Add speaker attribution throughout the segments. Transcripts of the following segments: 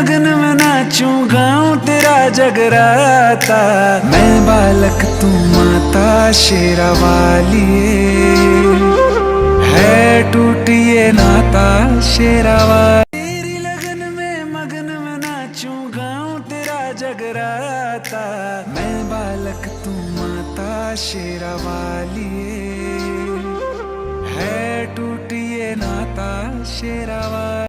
Speaker 1: लगन में नाचूं गाऊं तेरा जगराता, मैं बालक तू माता शेरा वाली है टूटी ये नाता शेरा वाली। तेरी लगन में मगन में नाचूं गाऊं तेरा जगराता, मैं बालक तू माता शेरा वाली है टूटी ये नाता शेरा वाली।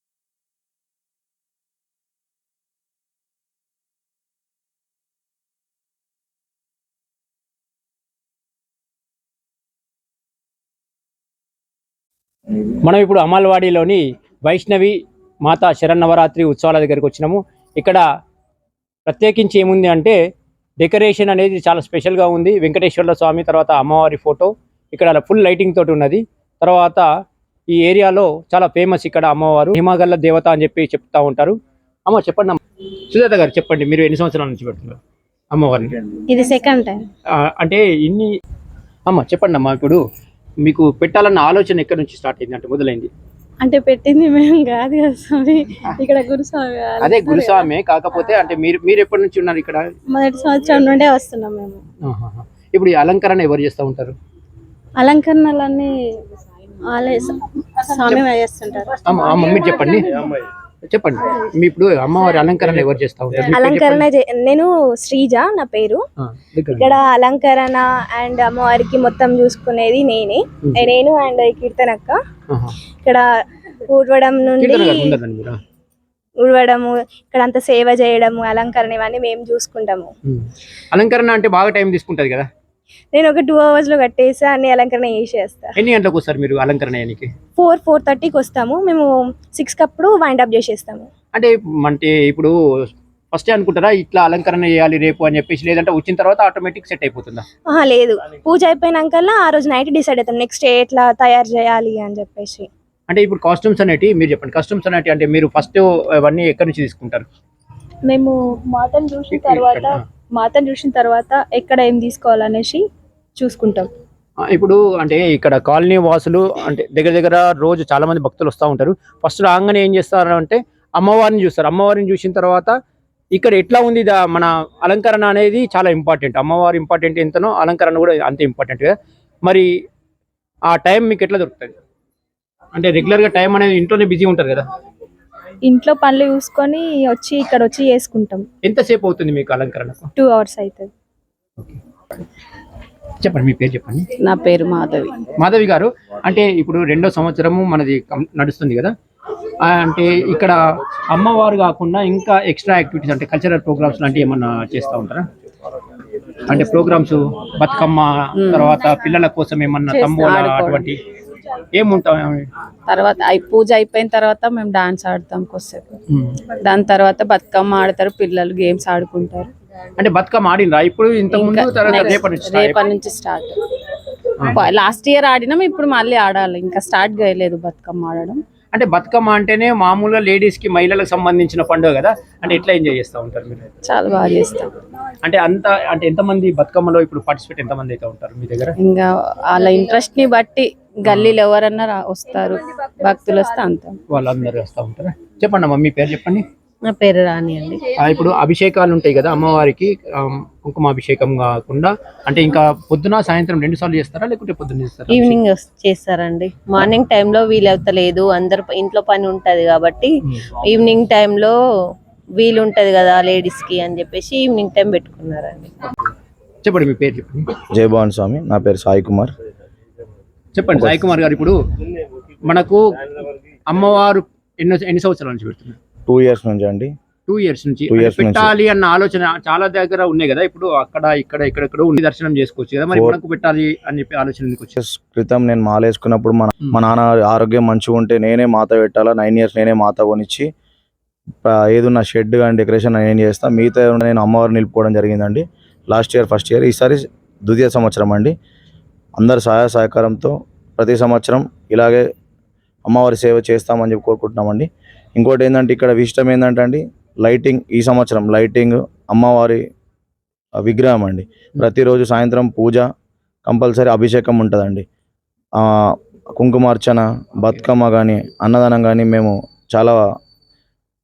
Speaker 2: మనం ఇప్పుడు అమల్వాడిలోని వైష్ణవి మాతా శరన్నవరాత్రి ఉత్సవాల దగ్గరికి వచ్చినాము. ఇక్కడ ప్రత్యేకించి ఏముంది అంటే డెకరేషన్ అనేది చాలా స్పెషల్గా ఉంది. వెంకటేశ్వర్ల స్వామి తర్వాత అమ్మవారి ఫోటో ఇక్కడ ఫుల్ లైటింగ్ తోటి ఉన్నది. తర్వాత ఈ ఏరియాలో చాలా ఫేమస్ ఇక్కడ అమ్మవారు హిమగల్ల దేవత అని చెప్పి చెప్తా ఉంటారు. అమ్మ చెప్పండి అమ్మ. సుజాత గారు చెప్పండి, మీరు ఎన్ని సంవత్సరాల నుంచి పెడుతున్నారు అమ్మవారిని?
Speaker 3: ఇది సెకండ్ టైం.
Speaker 2: అంటే ఇన్ని అమ్మ చెప్పండి అమ్మ, ఇప్పుడు మీకు పెట్టాలన్న ఆలోచన ఎక్కడి నుంచి స్టార్ట్ అయింది, అంటే మొదలైంది?
Speaker 3: అంటే పెట్టింది మేము కాదు కదా స్వామి, ఇక్కడ గురుస్వామి.
Speaker 2: అదే గురుస్వామి, కాకపోతే అంటే మీరు ఎప్పటి నుంచి ఉన్నారు ఇక్కడ?
Speaker 3: మొదటి సంవత్సరం నుండే వస్తున్నాం మేము.
Speaker 2: ఇప్పుడు ఈ అలంకరణ ఎవరు చేస్తూ ఉంటారు?
Speaker 3: అలంకరణలన్నీ ఆలయ స్వామి చేస్తుంటారు.
Speaker 2: మీరు చెప్పండి మీ ఇప్పుడు అమ్మవారి అలంకరణ ఎవరు చేస్తా ఉంటారు?
Speaker 3: అలంకరణ నేను శ్రీజ నా పేరు. ఇక్కడ అలంకరణ అండ్ అమ్మవారికి మొత్తం చూసుకునేది నేను అండ్ కీర్తనక్క. ఇక్కడ ఊడవడము ఇక్కడ అంతా సేవ చేయడము అలంకరణ ఇవన్నీ మేము చూసుకుంటాము.
Speaker 2: అలంకరణ అంటే బాగా టైం తీసుకుంటది కదా?
Speaker 3: నేను ఒక 2 hours లో కట్టేసి అన్ని అలంకరణ చేసేస్తా.
Speaker 2: ఎన్ని గంటలకు వస్తారు మీరు అలంకరణ చేయడానికి?
Speaker 3: 4:30కి వస్తాము మేము. 6కి అప్పుడు వైండ్ అప్ చేసేస్తాము.
Speaker 2: అంటే ఇప్పుడు ఫస్ట్ అనుకుంటారా ఇట్లా అలంకరణ చేయాలి రేపు అని చెప్పేసి, లేదంటే వచ్చిన తర్వాత ఆటోమేటిక్ సెట్ అయిపోతుందా?
Speaker 3: లేదు, పూజ అయిపోయినాకల్లా ఆ రోజు నైట్ డిసైడ్ అవుతాం నెక్స్ట్ డే ఎట్లా తయారు చేయాలి అని చెప్పేసి.
Speaker 2: అంటే ఇప్పుడు కాస్ట్యూమ్స్ అనేటి మీరు చెప్పండి. కాస్ట్యూమ్స్ అనేటి అంటే మీరు ఫస్ట్ అవన్నీ ఎక్కడి నుంచి తీసుకుంటారు?
Speaker 3: మేము మాతను చూసిన తర్వాత ఎక్కడ ఏం తీసుకోవాలనేసి చూసుకుంటాం.
Speaker 2: ఇప్పుడు అంటే ఇక్కడ కాలనీ వాసులు అంటే దగ్గర రోజు చాలా మంది భక్తులు వస్తూ ఉంటారు. ఫస్ట్ రాగానే ఏం చేస్తారు అంటే అమ్మవారిని చూస్తారు. అమ్మవారిని చూసిన తర్వాత ఇక్కడ ఎట్లా ఉంది మన అలంకరణ అనేది చాలా ఇంపార్టెంట్. అమ్మవారి ఇంపార్టెంట్ ఎంతనో అలంకరణ కూడా అంతే ఇంపార్టెంట్ కదా. మరి ఆ టైం మీకు ఎట్లా దొరుకుతుంది? అంటే రెగ్యులర్గా టైం అనేది ఇంట్లోనే బిజీ ఉంటారు కదా?
Speaker 3: ఇంట్లో పనులు చూసుకొని ఇక్కడ వచ్చి చేసుకుంటాం.
Speaker 2: ఎంతసేపు అవుతుంది మీకు అలంకరణకు?
Speaker 3: 2 hours అవుతుంది.
Speaker 2: చెప్పండి, మీ పేరు చెప్పండి.
Speaker 3: నా పేరు
Speaker 2: మాధవి గారు. అంటే ఇప్పుడు 2వ సంవత్సరము మనది నడుస్తుంది కదా, అంటే ఇక్కడ అమ్మవారు కాకుండా ఇంకా ఎక్స్ట్రా యాక్టివిటీస్ అంటే కల్చరల్ ప్రోగ్రామ్స్ లాంటివి ఏమన్నా చేస్తూ ఉంటారా? అంటే ప్రోగ్రామ్స్ బతుకమ్మ తర్వాత పిల్లల కోసం ఏమన్నా తంబోలా అటువంటి ఏముంటాం?
Speaker 4: తర్వాత పూజ అయిపోయిన తర్వాత మేము డాన్స్ ఆడతాం కొద్దిసేపు. దాని తర్వాత బతుకమ్మ ఆడతారు పిల్లలు, గేమ్స్ ఆడుకుంటారు.
Speaker 2: అంటే బతుకమ్మ ఆడినరా ఇప్పుడు?
Speaker 4: రేపటి నుంచి స్టార్ట్. లాస్ట్ ఇయర్ ఆడినాం, ఇప్పుడు మళ్ళీ ఆడాలి. ఇంకా స్టార్ట్ చేయలేదు బతుకమ్మ ఆడడం.
Speaker 2: అంటే బతుకమ్మ అంటేనే మామూలుగా లేడీస్ కి మహిళలకు సంబంధించిన పండుగ కదా, అంటే ఎట్లా ఎంజాయ్ చేస్తూ ఉంటారు మీరు?
Speaker 4: చాలా బాగా చేస్తాం.
Speaker 2: అంటే ఎంతమంది బతుకమ్మలో ఇప్పుడు పార్టిసిపేట్ ఎంతమంది అయితే ఉంటారు మీ దగ్గర?
Speaker 4: ఇంకా వాళ్ళ ఇంట్రెస్ట్ ని బట్టి గల్లీలో ఎవరన్నా వస్తారు, భక్తులు వస్తే అంత
Speaker 2: వాళ్ళందరూ వస్తూ ఉంటారా? చెప్పండి అమ్మ, మీ పేరు చెప్పండి.
Speaker 4: నా పేరు రాణి అండి.
Speaker 2: ఇప్పుడు అభిషేకాలు ఉంటాయి కదా అమ్మవారికి, కుంకుమాభిషేకం కాకుండా అంటే ఇంకా పొద్దున సాయంత్రం 2 సార్లు చేస్తారా లేకుంటే పొద్దున్న చేస్తారా?
Speaker 4: ఈవినింగ్ చేస్తారండి. మార్నింగ్ టైంలో వీలవుతలేదు, అందరు ఇంట్లో పని ఉంటది కాబట్టి ఈవినింగ్ టైంలో వీలు ఉంటది కదా లేడీస్ కి అని చెప్పేసి ఈవినింగ్ టైం పెట్టుకున్నారండి.
Speaker 2: చెప్పండి, మీ పేరు చెప్పండి.
Speaker 5: జై భవన్ స్వామి, నా పేరు సాయి కుమార్.
Speaker 2: చెప్పండి సాయి కుమార్ గారు, ఇప్పుడు మనకు అమ్మవారు ఎన్ని సంవత్సరాల నుంచి పెడుతున్నారు?
Speaker 5: 2 years నుంచి అండి.
Speaker 2: 2 years నుంచి పెట్టాలి అన్న ఆలోచన చాలా దగ్గర ఉన్నాయి కదా. ఇప్పుడు అక్కడ ఇక్కడ ఉండి దర్శనం చేసుకోవచ్చు కదా, మరి మనకు పెట్టాలి అని చెప్పి ఆలోచన ఎందుకు వచ్చింది?
Speaker 5: క్రితం నేను మాల వేసుకున్నప్పుడు మా నాన్న ఆరోగ్యం మంచిగా ఉంటే నేనే మాత పెట్టాలా, 9 years నేనే మాత కొనిచ్చి ఏదున్న షెడ్ కానీ డెకరేషన్ నేను చేస్తా, మిగతా నేను అమ్మవారిని నిలుపుకోవడం జరిగిందండి. లాస్ట్ ఇయర్ ఫస్ట్ ఇయర్, ఈసారి 2వ సంవత్సరం అండి. అందరు సహాయ సహకారంతో ప్రతి సంవత్సరం ఇలాగే అమ్మవారి సేవ చేస్తామని చెప్పి కోరుకుంటున్నామండి. ఇంకోటి ఏంటంటే ఇక్కడ విశిష్టం ఏంటంటే అండి లైటింగ్, ఈ సంవత్సరం లైటింగ్ అమ్మవారి విగ్రహం అండి. ప్రతిరోజు సాయంత్రం పూజ, కంపల్సరీ అభిషేకం ఉంటుందండి. కుంకుమార్చన, బతుకమ్మ కానీ అన్నదానం కానీ మేము చాలా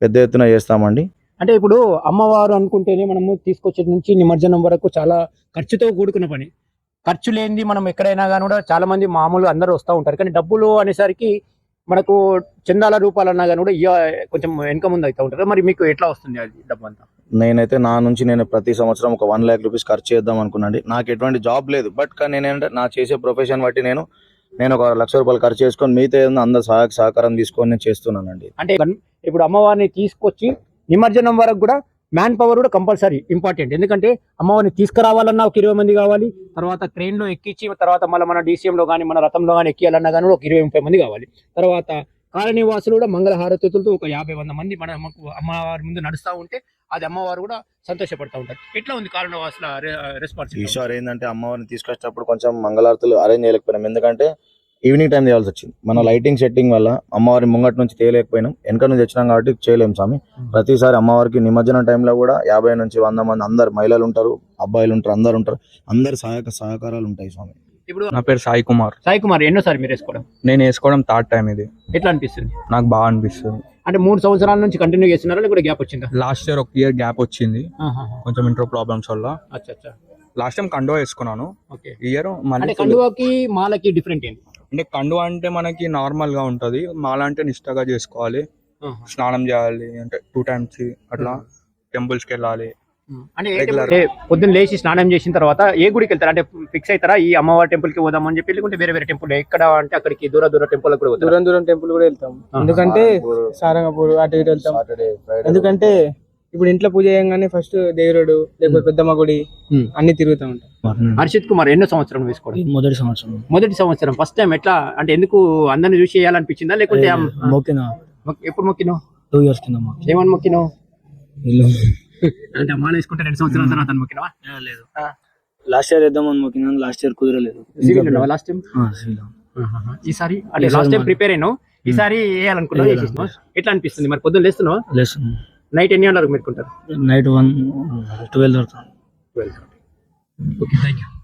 Speaker 5: పెద్ద ఎత్తున చేస్తామండి.
Speaker 2: అంటే ఇప్పుడు అమ్మవారు అనుకుంటేనే మనము తీసుకొచ్చే నుంచి నిమజ్జనం వరకు చాలా ఖర్చుతో కూడుకున్న పని. ఖర్చు లేనిది మనం ఎక్కడైనా కానీ కూడా చాలా మంది మామూలుగా అందరూ వస్తూ ఉంటారు, కానీ డబ్బులు అనేసరికి మనకు చందాల రూపాలన్నా కానీ కూడా కొంచెం వెనక ముందు అవుతూ ఉంటారు. మరి మీకు ఎట్లా వస్తుంది అది డబ్బు అంతా?
Speaker 5: నేనైతే నా నుంచి నేను ప్రతి సంవత్సరం ఒక 1 lakh రూపీస్ ఖర్చు చేద్దాం అనుకున్నాండి. నాకు ఎటువంటి జాబ్ లేదు, బట్ కానీ నేనేంటే నా చేసే ప్రొఫెషన్ బట్టి నేను ఒక 1 లక్ష రూపాయలు ఖర్చు చేసుకొని మిగతా ఏదైనా అందరు సహకారం తీసుకొని నేను చేస్తున్నానండి.
Speaker 2: అంటే ఇప్పుడు అమ్మవారిని తీసుకొచ్చి నిమజ్జనం వరకు కూడా మ్యాన్ పవర్ కూడా కంపల్సరీ ఇంపార్టెంట్. ఎందుకంటే అమ్మవారిని తీసుకురావాలన్నా ఒక 20 మంది కావాలి, తర్వాత ట్రైన్లో ఎక్కించి తర్వాత మళ్ళీ మన డీసీఎంలో కానీ మన రథంలో కానీ ఎక్కియాలన్నా కానీ ఒక 20-30 మంది కావాలి. తర్వాత కాలనీవాసులు కూడా మంగళ హారతులతో ఒక 50-100 మంది మన అమ్మవారి ముందు నడుస్తూ ఉంటే అది అమ్మవారు కూడా సంతోషపడతా ఉంటారు. ఎట్లా ఉంది కాలనీవాసుల రెస్పాన్స్?
Speaker 5: ఈసారి ఏంటంటే అమ్మవారిని తీసుకొచ్చేటప్పుడు కొంచెం మంగళారతులు అరేంజ్ చేయలేకపోయినాం, ఎందుకంటే ఈవినింగ్ టైం చేయాల్సి వచ్చింది. మన లైటింగ్ సెట్టింగ్ వల్ల అమ్మవారి ముంగట నుంచి చేయలేకపోయినాం, వెనక నుంచి వచ్చినాం కాబట్టి చేయలేము స్వామి. ప్రతిసారి అమ్మవారికి నిమజ్జనం టైంలో కూడా 50 నుంచి 100 మంది అందరు మహిళలు ఉంటారు, అబ్బాయిలు ఉంటారు, అందరు ఉంటారు, అందరు సహకారాలు ఉంటాయి స్వామి.
Speaker 2: ఇప్పుడు
Speaker 6: నా పేరు సాయి కుమార్.
Speaker 2: సాయి కుమార్, ఎన్నోసారి మీరు వేసుకోవడం?
Speaker 6: నేను వేసుకోవడం థర్డ్ టైం ఇది.
Speaker 2: ఎట్లా అనిపిస్తుంది?
Speaker 6: నాకు బాగా అనిపిస్తుంది.
Speaker 2: అంటే 3 సంవత్సరాల నుంచి కంటిన్యూ చేస్తున్నారా లేకపోతే గ్యాప్ వచ్చిందా?
Speaker 6: లాస్ట్ ఇయర్ 1 year గ్యాప్ వచ్చింది కొంచెం ఇంట్రో ప్రాబ్లమ్స్ వల్ల.
Speaker 2: అచ్చా.
Speaker 6: లాస్ట్ టైం కండువా వేసుకున్నాను,
Speaker 2: ఓకే.
Speaker 6: ఈ ఇయర్ మళ్ళీ
Speaker 2: అంటే కండువాకి మాలకి డిఫరెంట్ ఏంటి?
Speaker 6: అంటే కండువా అంటే మనకి నార్మల్ గా ఉంటది, మాల అంటే నిష్టగా చేసుకోవాలి, స్నానం చేయాలి, అంటే 2 times అట్లా టెంపుల్స్ కి వెళ్ళాలి.
Speaker 2: అంటే పొద్దున్న లేచి స్నానం చేసిన తర్వాత ఏ గుడికి వెళ్తారు? అంటే ఫిక్స్ అవుతారా ఈ అమ్మవారి టెంపుల్ కి పోదామని చెప్పి, లేకుంటే వేరే టెంపుల్ ఎక్కడ అంటే అక్కడికి దూర టెంపుల్ కూడా పోతారు?
Speaker 7: దూరం టెంపుల్ కూడా వెళ్తాం, ఎందుకంటే సారంగపూర్ అటు ఇటు వెళ్తాం. ఎందుకంటే ఇప్పుడు ఇంట్లో పూజ చేయగానే ఫస్ట్ దేవుడు లేకపోతే పెద్దమ్మ గుడి అన్ని తిరుగుతూ ఉంటాం.
Speaker 2: హర్షిత్ కుమార్, ఎన్నో సంవత్సరం వేసుకోవడం? మొదటి సంవత్సరం. ఫస్ట్ టైం ఎట్లా అంటే ఎందుకు అందరిని చూసి చేయాలనిపించిందా లేకుంటే ఎప్పుడు మొక్కినావు?
Speaker 7: 2 years కింద
Speaker 2: ఏమని మొక్కినావు? అంటే అమ్మాయిలు వేసుకుంటే 2 సంవత్సరాల తర్వాత మొక్కినావా?
Speaker 7: లేదు, లాస్ట్ ఇయర్ వేద్దామని మొక్కినాను, లాస్ట్ ఇయర్ కుదరలేదు.
Speaker 2: లాస్ట్ టైం ఈసారి అంటే లాస్ట్ టైం ప్రిపేర్ అయినావు, ఈసారి వేయాలనుకున్నావు. ఎట్లా అనిపిస్తుంది మరి? పొద్దున్న లేస్తున్నావా? నైట్ ఎన్ని గంటలకు మెరుకుంటారు?
Speaker 7: Night 1, 12
Speaker 2: okay, thank you.